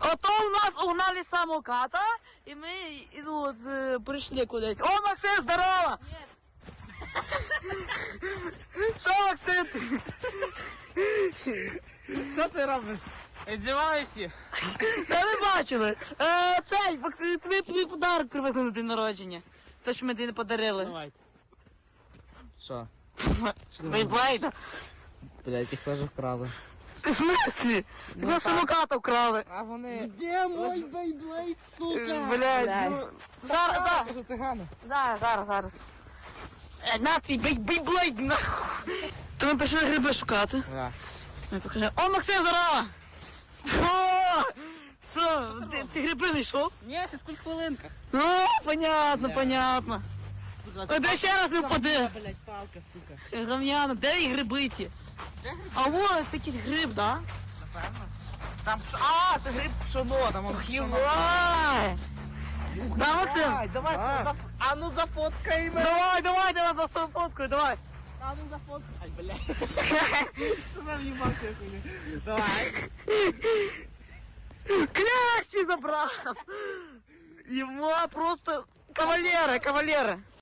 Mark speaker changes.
Speaker 1: Ото у нас угнали самоката, і ми прийшли кудись. О, Максим, здорово! Що, Максим?
Speaker 2: Що ти робиш? Відзиваєшся?
Speaker 1: Та ви бачили. Цей, Максим, тобі подарок привезли на день народження. Те, що ми тобі не подарили.
Speaker 2: Давайте. Що?
Speaker 1: Бейблейда.
Speaker 2: Блять, їх теж вкрали.
Speaker 1: В смислі? Тебе самоката вкрали.
Speaker 2: А вони...
Speaker 3: Де мой бейблейд, сука?
Speaker 1: Блядь, ну... Зараз, да.
Speaker 2: Це цигани.
Speaker 1: Да, зараз. На твій бейблейд, нахуй. То ми пішли гриби шукати.
Speaker 2: Да.
Speaker 1: Ми покажемо. О, Максим, здорово! О! Що, ти гриби не йшов?
Speaker 3: Ні, ще скільки хвилинка.
Speaker 1: Ну, понятно. Ой, де ще раз не впади.
Speaker 3: Блять, палка, сука.
Speaker 1: Гам'яно, де і гриби ці? А вон, це якийсь гриб, да?
Speaker 2: Напевно. Там це гриб пшоно, там воно пшоно.
Speaker 1: Євай! Да, Максим?
Speaker 2: Давай, а ну зафоткай мене.
Speaker 1: Давай, за свою фотку, давай.
Speaker 2: А ну зафоткай. Ай, блядь. Себе в'їбався, я хуйня. Давай.
Speaker 1: Клящі забрав! Його просто кавалера.